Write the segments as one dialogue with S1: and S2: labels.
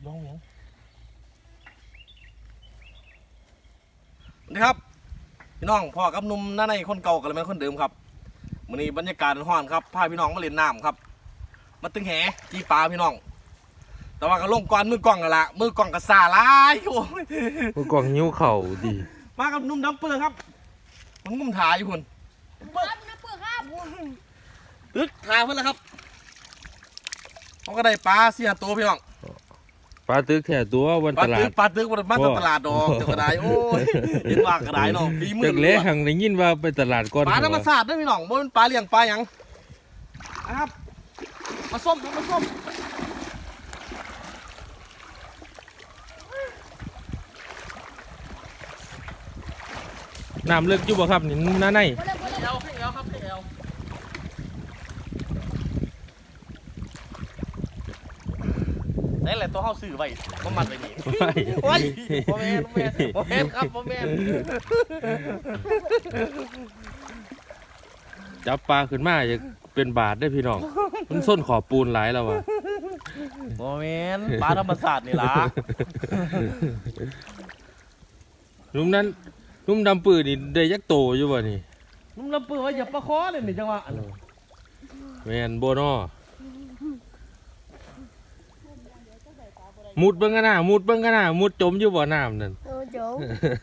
S1: ลองยังนี่ครับพี่น้องพ่อกับนุ่มหน้าในคนเก่ากับแม่คนเดิมครับมื้อนี้บรรยากาศร้อนครับพาพี่น้องมาเล่นน้ำครับมาตึงแหจีปลาพี่น้องแต่ว่าก็ลงก่อนมือกล้องกันละมือกล้องก็ซาลายโอ้ย
S2: มือกล้องหิ้วเข่าดี
S1: มากับนุ่มดำเปื้อนครับมันงุ่มถ่ายอยู่คน
S3: ครับน้ำเปลือกครับ
S1: ตึกถ่ายเพื่อนแล้วครับเขาก็ได้ปลาเสียตัวพี่น้อง
S2: ปลาตึกแค่ตัววันตลาด
S1: ปลาตึกมันมาตลาดดอกจะกระไดโอ้ยเห็นว่ากระไดเนาะปีมือ
S2: จากเละหังได้ยินว่าไปตลาดก่อน
S1: ปลาธรรมชาติด้วยพี่น้องบ่เป็นปลาเลี้ยงปลาหยังนะครับมาส้มครับมาส้ม
S2: น้ำเลิกอยู่บ่ครับนี่หน้าใน
S1: ให้เอวครับให้เอวนี่แหละตัวเข้าสื่อไว้ก็มันไปนี่โอ้ยโมเมนครับโมเมน
S2: จับปลาขึ้นมาจะเป็นบาทได้พี่น้องมันส้นขอบปูนหลายแล้ววะ
S1: โมเมนปลาธรรมศาสตร์นี่ล่ะ
S2: นุ่มนั้นนุ่มดำปืนนี่ได้ยักษ์โตอยู่บ่นี่
S1: นุ่มลำปืนว่าอย่าปลาคอเลยนี่จังหวะ
S2: แมนโบนอมุดเบิ้งกันหน้ามุดเบิ้งกันหน้ามุดจมอยู่บ่อน้ำนั่น
S3: เดี๋ยว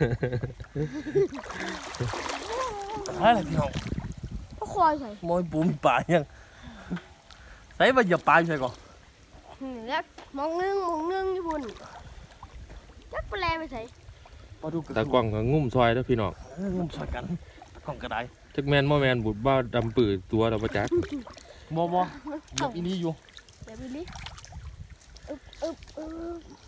S1: อะไรพี่น้อง
S3: ก็คอยใส่
S1: มอยปูมีปลายังใส่มาอย่าปลาใช่ก่อน
S3: แล้วมองนึงญี่ปุ่นจักไปแลไปใส่
S1: ปลาดู
S2: ตากล้องก็งุ่มซอยแล้วพี่น้อง
S1: งุ่มช่วยกันกล่องกระได
S2: จักแมนบ่แมนบุดบ้าดำปืนตัวเราประจักษ์
S1: มอยังอีนี่อยู่
S3: เดี๋ยวไปดิอึ๊บ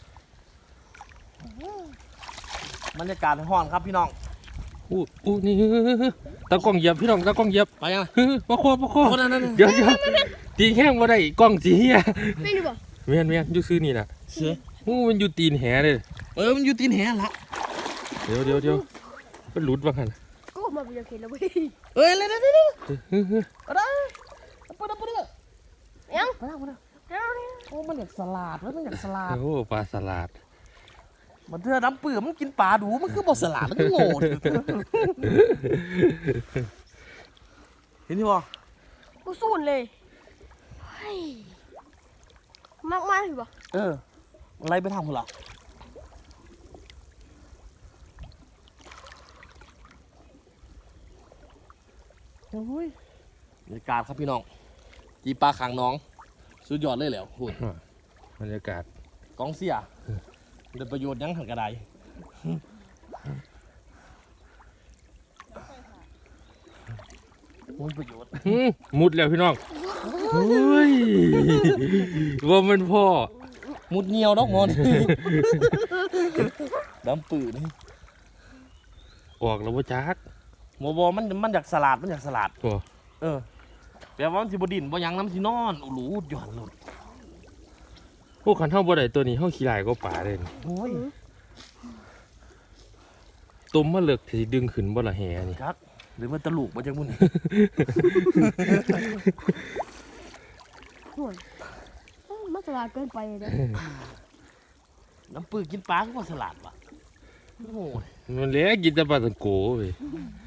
S1: บรรยากาศห้อนครับพี่น้อง
S2: อู้นี่ตากล้องเหยียบพี่น้องตากล้องเหยียบ
S1: ไปยัง
S2: มาคอ
S1: คนนั้น
S2: เดี๋ยวตีแข้งมาได้กล้องสีเฮีย
S3: ไม่รู้ป่ะ
S2: แมนอยู่ซื้อนี่น่ะ
S1: เสือ
S2: มันอยู่ตีนแหเลย
S1: มันอยู่ตีนแหละ
S2: เดี๋ยวมันหลุดบ้างหัน
S3: ก็มาไปยังเห็นแล้วเว้ย
S1: เลยก็ได้ไปเลย
S3: ยัง
S1: โอ้มันอยากสลัดมันอยากสลัด
S2: โอ้ปลาสลัด
S1: มันเธอน้ำเปลือกมันกินปลาดูมันคือบ่สลัดมันก็โง่เห็นที่บ่
S3: กูสูนเลยมากหรือป่ะ
S1: อะไรไปทำคุณล่ะโอ้ยบรรยากาศครับพี่น้องจีปลาขังน้องสุดยอดเลยแหล้วคุณ
S2: บรรยากาศ
S1: กองเสียเดินประโยชน์ยังหันกระไดมันประโยชน์
S2: มุดแล้วพี่น้องเฮ้ยว่ามันพ่อ
S1: มุดเงียวดอกมอนดำปืน
S2: ออกแล้วว่าจัก
S1: โมบอมันอยากสลัด
S2: โอ้
S1: แปลว่ามันสิบดินบ่ยังน้ำสินอนโอ้โหหย่อนหลุด
S2: พวกขันเท่าบ่ได้ตัวนี้เท่าขี้ลายก็ป่าเลย
S1: โอ้ย
S2: ต้มมาเลิกที่ดึงขึ้นบ่ละแหนี่
S1: ครับหรือมันตะลุกบ่จังมุ่น
S3: ห่วยมันสลาดเกินไปเลย
S1: น้ำปืนกินปลาก็ว่าสลัดว่ะโอ้ย
S2: มันเละกินแต่ปลาตังโกเว้ย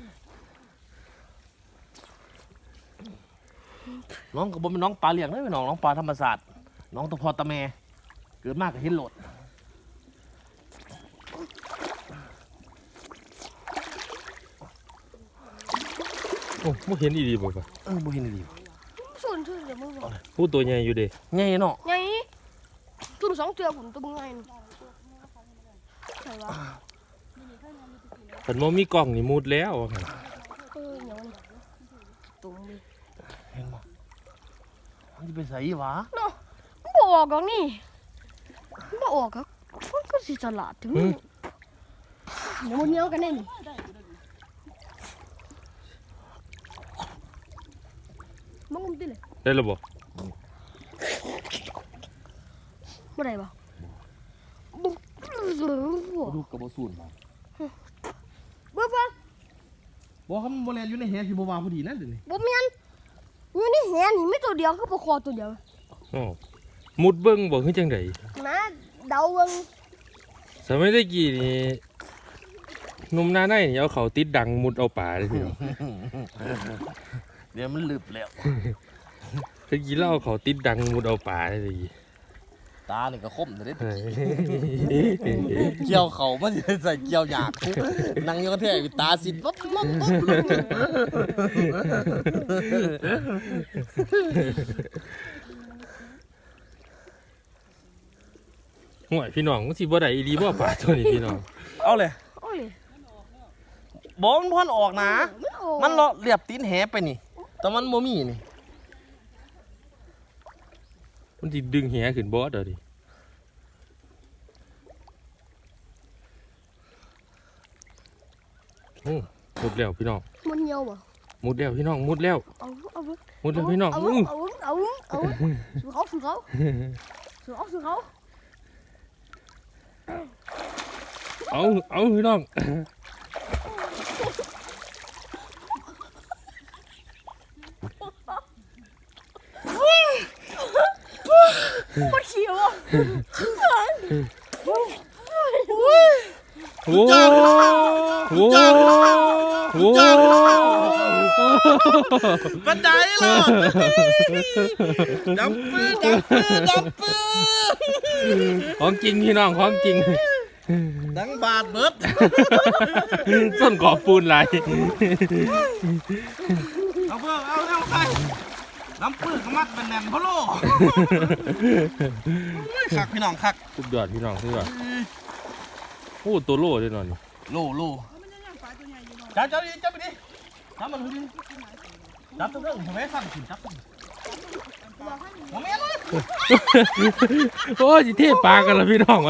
S1: น้องก็บ่เป็นน้องปลาเลี้ยงเลยน้องปลาธรรมศาสตร์น้องตะพอตะแม่เกิดมากก็เห็นโหลด
S2: โอ้ไม่เห็นอีดีบ่ปะ
S1: บ่เห็นดี
S3: สูนเดี๋ยวมึงบอก
S2: ผู้ตัวใหญ่อยู่เด้
S1: ไงเนาะ
S3: ไงตุ้ม2เตือผมตุ้มไงใช่ปะ
S2: ขันมมีกล้องนี่มุดแล้วว่าหั่น
S3: เดี๋ยวตุ้มเลย
S1: เห็นบ่มันจะไปใส่วะ
S3: เนาะมันบอกออกกันนี่มันบอกออกครับมันก็สิสลาดถึงเดี๋ยวมันเนี้ยกันแน่นี่มันงุ้มติเลย
S2: ได้แล้วบ่
S3: บ่ได้ปะ
S1: ดูกระบอกสูนมา
S3: เบิ่ง
S1: บอกเขามันโบราณอยู่ในแหที่บัวาพอดีนั่นเดี๋ยวนี้
S3: บ่แม่นอยู่ในแหนี่มีตัวเดียวคือปลาคอตัวเดียว
S2: อ๋อมุดเบิ่งบ่คือจังได๋
S3: นะเดาเบิ่ง
S2: สมัยตะกี้นี่หนุ่มหน้าในนี่เอาเขาติดดังมุดเอาป่าเลยพี่น้อง
S1: เดี๋ยวมันลึบแล้ว
S2: ตะกี้เราเอาเขาติดดังมุดเอาป่าเลย
S1: ตาเนี่ยก็คมเลยเกี่ยวเขามันจะใส่เกี่ยวหยากนั่งอยู่กับแท้ตาสิปั๊บปั๊บปั๊บ
S2: ห่วยพี่น้องมันสิบ่ได้อีหลีบ่ป่าตัวนี้พี่น้อง
S1: เอาเลย
S3: โอ้ย
S1: บอกมันพ่อนออกนะ
S3: มันออก
S1: มันเลาะเรียบตีนแหไปนี่ แต่มันโมมี่นี่
S2: มันสิดึงแหขึ้นบ่เด้อดิโอ้มุดแล้วพี่น้อง
S3: มันเหี่ยวบ่
S2: มุดแล้วพี่น้องมุดแล้ว
S3: เอา
S2: มุดแล้วพี่น้อง
S3: เอา
S2: อื้อ
S3: สู่เขา
S2: เอาพี่น้อง
S3: มันเขียวอ่ะ
S2: โอ้โหโอ้โห
S1: บันไดเหรอดับปื้อ
S2: ของจริงพี่น้องของจริง
S1: ดังบาดเบิด
S2: ส้นกอบปูนไหลาย
S1: เอาเพื่อเอาใครน้ำปื้อขมัดเป็นแหนมพะโล่คักพี่น้องคัก
S2: สุดยอดพี่น้องสุดยอดโอ้ตัวโล่ด้วยนอนนี่
S1: โล่จับดิจับไปดิจับมันดิจับตัวเรื่องผมไม่สั่นถึงจับผมไม่เลย
S2: โอ้ยสิเทปลากันละพี่น้องวะ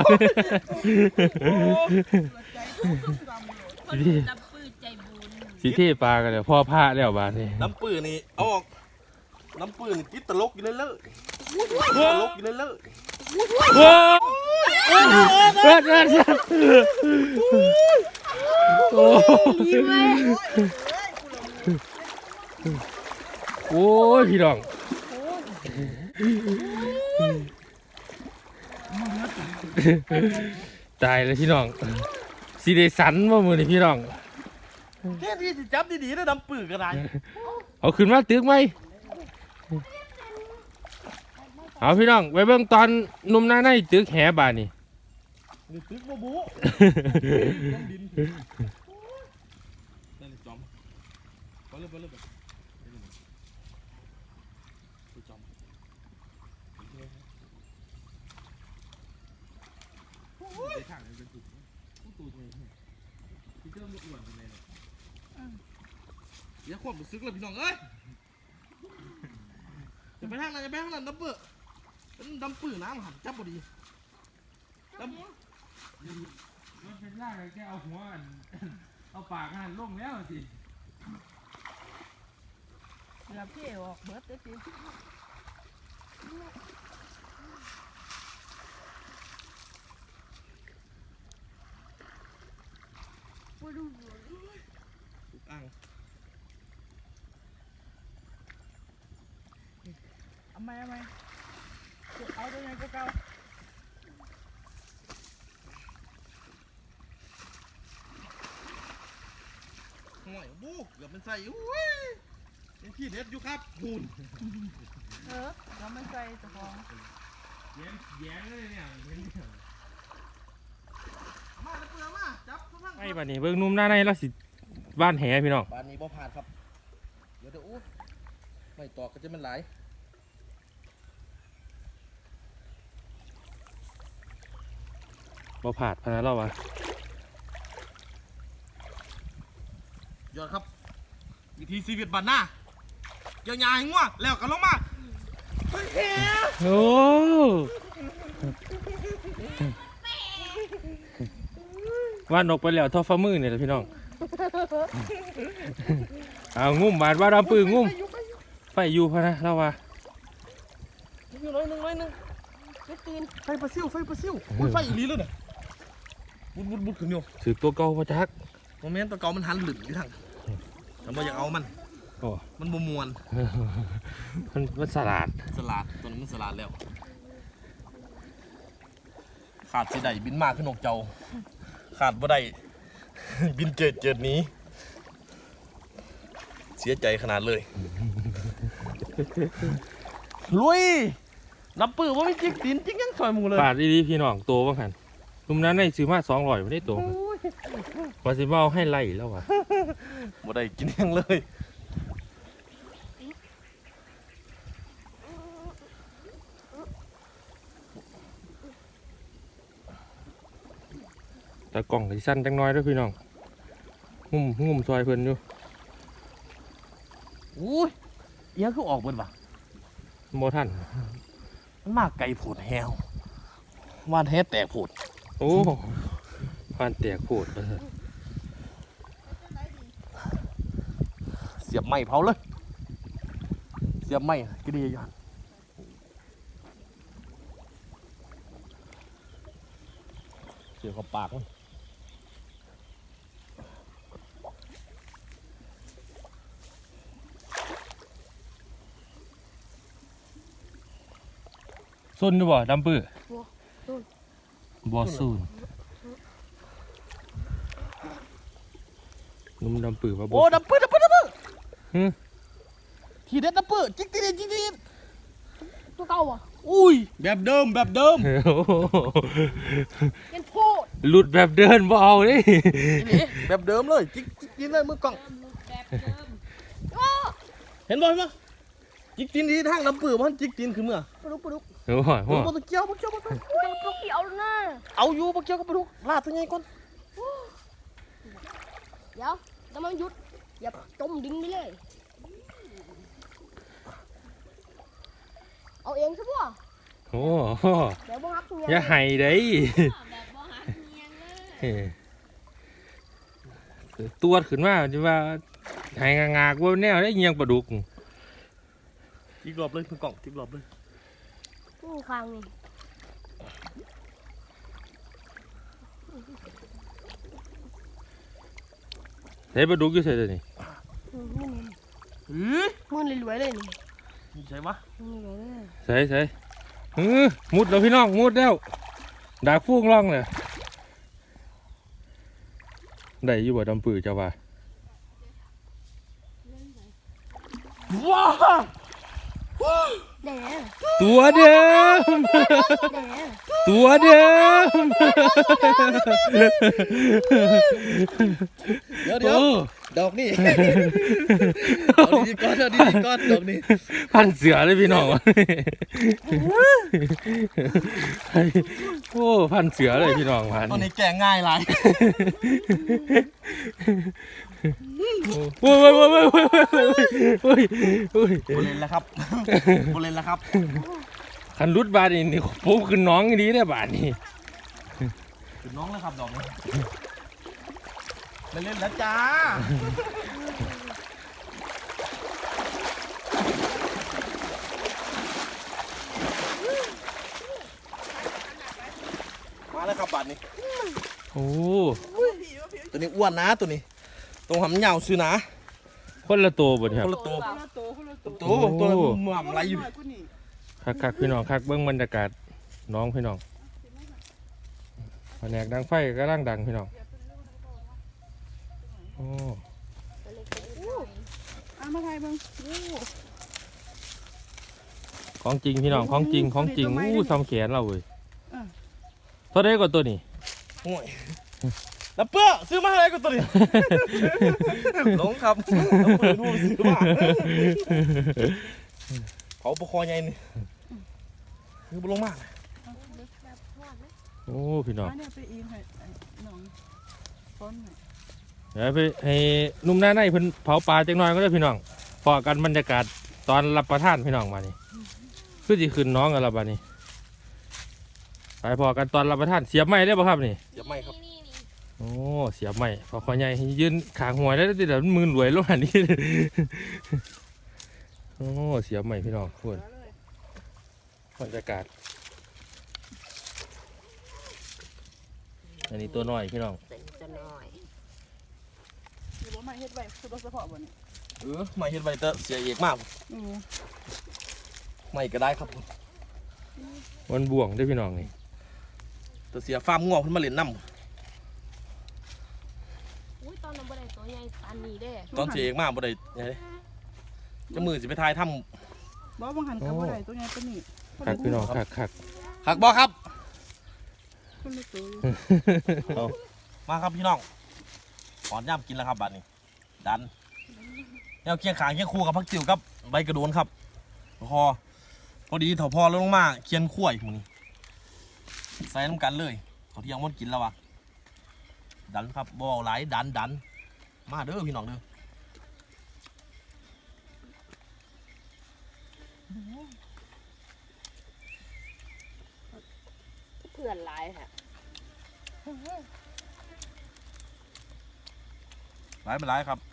S2: สิเทปลากันเลยพ่อพระแล้วบ้านนี่
S1: น้ำปื้อนี่เอาออกน้ำปื้อนี่กินตลกอยู่เลยตลกอยู่เลย
S2: ว้าวเอิดโอ้
S3: ยิ้มเลย
S2: โอ้ยพี่น้องตายแล้วพี่น้องสิได้สันว่ามือนี่พี่น้อง
S1: แค่ที่จับดีๆนะน้ำปื้อก็ได้
S2: เอาขึ้นมาตึกไหมเอาพี่น้องไปเบิ่งตอนหนุ่มหน้าในตึกแหบานนี่
S1: นี่ตึกบูบูดินนั่นจอมไปเลยจอมข้างเป็นตุ่มตูดเลยที่เจ้าอ้วนเลยอย่าควบมันซึกเลยพี่น้องเอ้ยจะไปทางไหนจะไปทางนั้นดับเบิ้ลเป็นดำปื้อน้ำหันจับบดีดำ
S2: มันเป็นร่างแค่เอาหัวเอาปากหันลงแล้วสิ
S4: เราเที่ยวออกเบิดได้สิ
S1: อ่าง
S4: เอาไหมเอาตัวไหนก็เก่า
S1: ห่วยบูเกือบมันใส่อุ้ยเป็นพี่เด็ดอยู่ครับหุ่น
S4: เราไม่ใส่เจ้าของ
S2: แย้งเลยเนี่ย
S1: มาแล้วเปลือกมาจับทุกท่าน
S2: ไอ้บ้านนี้เบิ่งหนุ่มหน้าในแล้วสิบ้านแหพี่น้อง
S1: บ้านนี้บ่ผ่านครับเดี๋ยวอู้ไม่ตอกก็จะมันไหล
S2: บ่ผาดพนันเราวะ
S1: ยอดครับวิธีชีวิตบ้านหน้าเกี่ยวยาให้ง่วงแล้วกันลงมาเฮ้ยแห
S2: โอ้ว่านกไปแล้วทอฟ้ามือเนี่ยแหละพี่น้องเอางุ่มบาดว่าเราปืนงุ่มไปอยู่พะนะเราวะ
S1: อยู่น้อยหนึ่ง
S3: ไม่ตื่น
S1: ไฟปลาซิวอุ้ยไฟอีหลีเลยเนี่ยบุดขึ้นอยู่
S2: ถือตัวเก่ามาจัก
S1: โมเมนต์ตัวเก่ามันหันหลึกอยู่ทางแต่บ่อยากเอามัน
S2: โอ้
S1: มันบ่มวน
S2: มันสลัด
S1: สลัดตัวนั้นมันสลัดแล้วขขาดสิได้บินมาขึ้นนกเจ้าขาดบ่ได้ บินเจิดหนี้เสียใจขนาดเลย ลุยนับปื้อว่าไม่จิกตีนจิกยังซอยหมูเลย
S2: ปาดดีๆพี่น้องโตบ้างหันนุ่มนั้นในซื้อมา200ไม่ได้โตว่าสิมาเอาให้ไล่แล้ววะ
S1: บ่ได้กินยังเลย
S2: แต่กล่องก็สิสั้นจังน้อยเด้วยพี่น้องงุ่มซอยเพิ่นอยู่
S1: อุ้ยเอียงคือออกเบิดว่ะ
S2: โมทัน
S1: มันมากไกลโผดแฮววานแฮแตกโผด
S2: โอ้ผ่านแตกโผดไปเถอะ
S1: เสียบไม้เผาเลย เสียบไม้ก็ดีอยู่หั่นเสียบกับปากมัน
S2: ซุนดูบ่ดำปื้อ
S3: ซุน
S2: บ่ซุนนุ่มดำปื้อว่าบ่
S1: โอ้ดับปื้อ
S2: ฮึ
S1: ทีเด็ดดับปื้อจิกทีเด็ดจิกทีเด็ด
S3: ตัวเก่าอ่ะ
S1: อุ้ยแบบเดิม
S2: โอ้โห
S3: เป็นโพด
S2: หลุดแบบเดินบ่เอาเด้
S1: นี่แบบเดิมเลยจิกทีเลยมือกล้อง
S3: อ้อ
S1: เห็นบ่จิกตีนที่ทางดับปื้อมันจิกตีนคือเมื่อ
S3: ปลาดุก
S2: โอ้โห
S1: โอ้บ่ต้องเกี่ยว
S3: เป็นปลาดุกเกี่ยวนะ
S1: เอาอยู่บ่เกี่ยวกับปลาดุกลาดตัวใหญ่ก่อน
S3: เดี๋ยวแล้วมันหยุดอย่าจมดินไปเลยเอาเองใช่ป่ะ
S2: โอ้โห
S3: เดี๋ยวบ่ฮักเมีย
S2: อย่าให้ได้ตัวขึ้นมาจะว่าให้งากๆว่าแนวได้เงียงปลาดุก
S1: จิกรอบเลยมือกล้องจิกรอบเลย
S3: ข้างนี่
S2: ใส่ปลาดุกอยู่ใส่ตัวนี้
S3: มือรวยๆเลยนี่
S1: นี่ใช่ปะ
S3: มือรวยเลย
S2: ใส่มุดแล้วพี่น้องมุดแล้วดากฟูงร่องเลยได้อยู่บ่ดำปือเจ้าว่า
S1: ว้า
S3: แดง
S2: ตัวเดิม
S3: แดง
S2: ตัวเดิม
S1: เดี๋ยว
S2: โอ้
S1: ดอกนี่เอาดีๆก่อนดอกนี่
S2: พันเสือเลยพี่น้องวะโอ้พันเสือเลยพี่น้องพัน
S1: ตอนนี้แก่ง่ายหลาย
S2: โอ้ย
S1: บุเรนแล้วครับบุเรนแล้วครับ
S2: คันรุดบาดนี่ปุ๊บขึ้นน้องดีได้บาดนี่
S1: ถึงน้องแล้วครับดอกนี้เล่นแล้วจ้ามาแล้วครับบาดนี้
S2: โอ้
S1: ตัวนี้อ้วนนะตัวนี้ตรงหำเหยาวซื้อนะ
S2: คนละตัวบ่เนี่ยค
S1: ครับ นละตัว ตัวหม่ำไรอยู่
S2: คักพี่น้องคักเบิ้งบรรยากาศน้องพี่น้องแผนกดังไฟก็ร่างดังพี่น้องโอ้
S4: เอามาไทยบ้าง
S2: ของจริงพี่น้องของจริงอู้ซ้ำแขนเราเว้ยเท่าไรกว่าตัวนี้
S1: โอ้ยแล้วเปื้อซื้อมาอะไรก็ตัวนี้ หลงครับแล้วเปื้อนู่นซื้อมาเผาปะคอใหญ่นี่คือบุลงมาก
S2: โอ้พี่น้อง
S4: เนี่ยไปอินให้น้องต้นให้
S2: เดี๋ยวไปให้นุ่มหน้าในเพิ่นเผาปลาจังน้อยก็ได้พี่น้องพอกันบรรยากาศตอนรับประทานพี่น้องมานี่คือสิขึ้นน้องกันและบาดนี้ไปพอกันตอนรับประทานเสียบไม้ได้ป่ะครับนี่
S1: อย่าไม่ครับ
S2: โอ้เสียบใหม่พอคอใหญ่ยืนขางหัวได้แต่เดี๋ยวมือรวยลงอันนี้ โอ้เสียบใหม่พี่น้องทุกคนบรรยากาศอันนี้ตัวน้อยพี่น้อง
S3: จะน้อย
S4: คือว่าไม่เฮ็ดไว้คือว่าเฉพาะบ่นี่
S1: ไม่เห็นใบเตอเสียเอกมาก ไม่ก็ได้ครับ
S2: มันบ่วงได้อพี่น้องนี่
S1: ตัวเสียฟาร์มงอกขึ้นมาเล่นน้
S3: อุ้ยตอนนั้นบ่ได้ตัวใหญ่ปานนี้เด้
S1: ำตอนเสียเองมากบ่ได้ไงจะมือสิไปทายถ้
S4: บ่บังหันกับบ่ได้ตัวใหญ่ตัวนี้
S2: คักพี่น้องคัก
S1: ำหักบ่ครับ
S4: คนละตัวอยู่
S2: เอา
S1: มาครับพี่น้องขอนย่ำกินแล้วครับบัดนี้ดันแนวเคียงขางเคียงคู่กับพักจิ๋วกับใบกระโดนครับพอดีเถาพอแล้วลงมาเคียนขั้วอีกมื้อนี้ใส่น้ำกันเลยเขาที่ยังมดกินแล้ววะดันครับบ่เอาหลายดันมาเด้อพี่น้องเด้อ
S3: เพื่อนหลายค่ะ
S1: หลายไปหลายครับ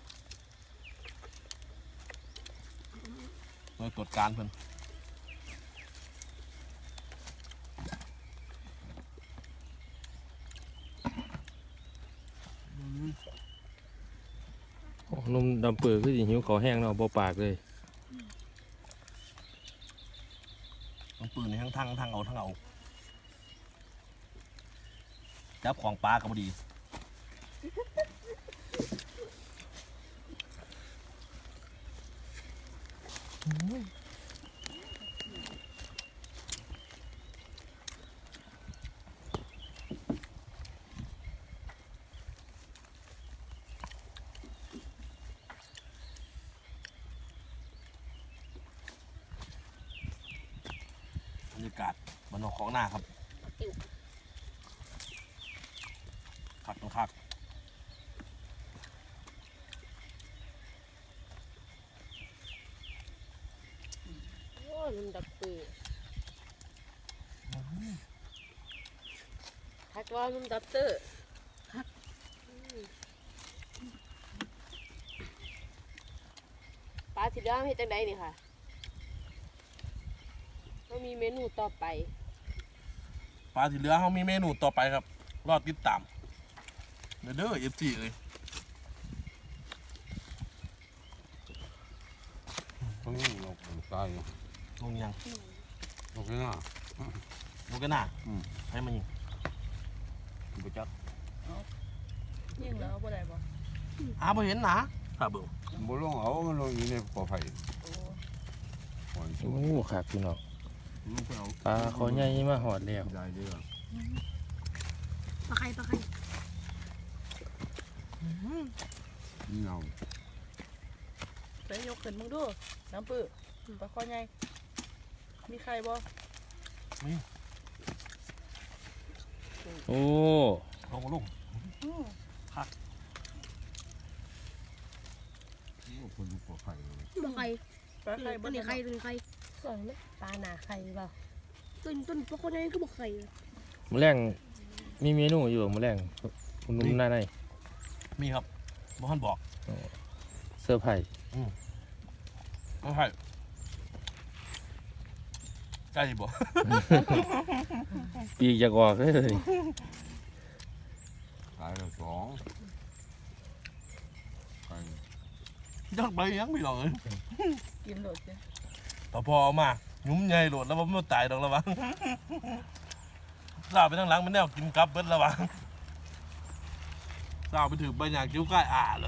S1: โดยตรวจการเพิ่น
S2: โอ้นุ่มดำเปื่อยคือสิหิวขอแห้งเนาะบ่ปากเลย
S1: ต้องปืนในทั้งเอาจับของปลาก็บ่ดีบรรยากาศบนนอกของหน้าครับคักต้องคัก
S3: โอ้ยมันดับปื้อทักว่ามันดับเตอร์ปลาสิเลี้ยงเฮ็ดจังไดนี่ค่ะก็มีเมนูต่อไป
S1: ปลาที่เหลือเขามีเมนูต่อไปครับ รอดติดตามเด้อFCเลย
S5: ตรงนี้เราตาย
S1: ลงยัง
S5: โอเคนะ
S1: ลงกันหน้า
S5: อืม
S1: ให้มันยิง
S5: บุจัก
S4: ยิ่งแล้วบ่ได้บ่
S1: บ่เห็นนะถ้าเบิ่ง
S5: บุลงเอามันลงอยู่ในกอไผ่หอย
S2: โอ้
S5: สูง
S2: คักพี่น้อง
S5: มันก็เอา
S2: ปลาคอใหญ่มาหอดแล้ว
S5: ได้เยอะ
S3: ปลาไข่
S5: นี่เอา
S4: ไปยกขึ้นมึงดูน้ำปื้อปลาคอใหญ่มีใครบ่
S2: โอ้
S1: ลง
S5: คนอยู่กอไผ่เลย
S3: บ่ไข่
S4: ปลาไข่บ่
S3: ตัว
S4: ได้
S3: นี้
S4: บ่
S3: ไข่ตัวนี้ไข่ส่วนนี้ปลาหนาไข่เปล่าต้นปลาคนนี้ก็บ่ไข่
S2: มื้อแรงมีเมนูอยู่บ่มื้อแรงคุณนุ่มหน้าใน
S1: มีครับบ่ทันบอก
S2: เซอร์ไพรส์
S1: บ่ใช่ใช่บ่
S2: ปีกอยากออกเลย
S5: ตายแล้ว2ไก่
S1: ยักไปยังพี่น้องเอ้ย
S4: กินโลดจ้ะ
S1: ต่อพอเอามาหยุ่มใหญ่โหลดแล้วมันตายดอกแล้ววะสาวไปทางหลังมันแนวกินกลับเบิดแล้ววะสาวไปถือใบหยางคิ้วใกล้เลย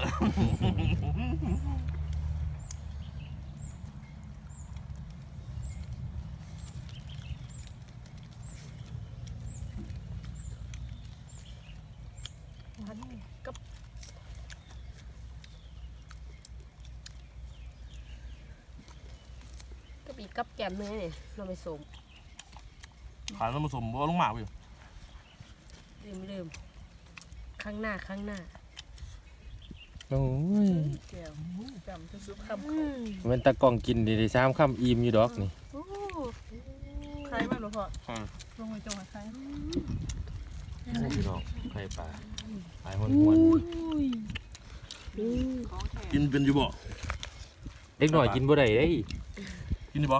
S4: กับ
S3: ก็ปีกับแกมเนื้อเนี่ยเราไปส่ง
S1: ขายแล้วมาสมบ่ลงหมาไป
S3: ลืมข้างหน้า
S2: โอ้ย
S4: แก้วจำทุกๆคำ
S2: มันตะกล้องกินได้3คำอิ่มอยู่ดอกนี่
S3: โอ้
S4: ใครบ้างหลวงพ่อลงไปจงใคร
S2: พี่น้องไข่ปลาหายหวน
S4: ของแท้
S1: กินเป็นอยู่บ่
S2: เด็กหน่อยกินบ่ได้เด้ย
S1: กินอยู่บ่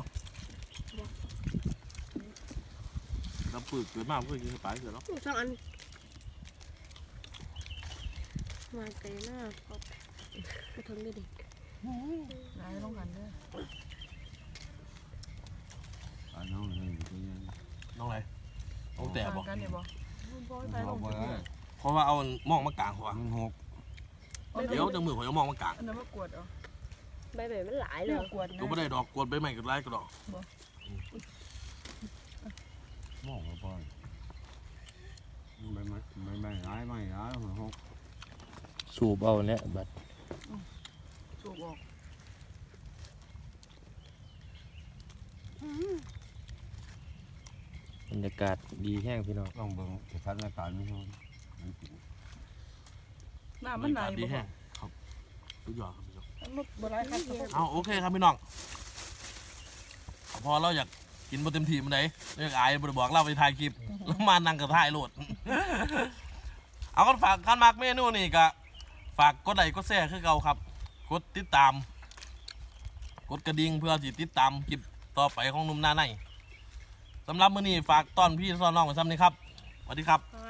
S1: รับปืนเกิดมากเพื่อกินปลาเกิดแล้ว
S3: สองอันมาไกลหน้าก็ทนได้ดิ
S4: นายลงหันเด้อ
S5: ตายน้องเลยตัวนี้
S1: น้องอะไรน้องแต่บ่
S4: กันเนี่ยบ่คุณพ่อให้ไปล
S5: เอา
S4: ง
S5: ไป
S4: ไป
S5: ได้
S1: เพราะว่าเอามองมากลางหัว
S5: มันหก
S1: เดี๋ยวจังมือผมเอามองมากลาง
S4: อันนั้นมากวดเอา
S3: ใบใบมันหลายเล
S4: เรื่อย งกวด
S1: ก็ไม่ได้ดอกกวนใบใหม่ก็ไล่ก็ดอก
S5: มองไปไม่ร้ายมันหก
S2: สูบเอาเนี่ยบัด
S4: สูบออก
S2: บรรยากาศดีแห้งพี่น้อง
S5: ต้องเบิ่งสถานการณ์ไม่รู้มันจริง
S4: น้ำมันไหน
S1: ดี
S4: บ่
S1: แห้งครับสุดยอดครับพี่น้อง
S4: มันบ่ร้ายครับ
S1: เอาโอเคครับพี่น้องพอเราอยากกินบนเต็มทีมันไหนเราอยากอายบริบอกเราไปถ่ายคลิปแล้วมานั่งกับถ่ายโหลด เอาก็ฝากการมักเมนูนี่ก็ฝากกดไลค์กดแชร์คือเก่าครับ กดติดตาม กดกระดิ่งเพื่อสิติดตามคลิปต่อไปของหนุ่มหน้าในสำหรับมื้อนี้ฝากต้อนพี่ซ้อนน้องไว้ซ้ำนี้ครับสวัสดีครับ
S4: ครั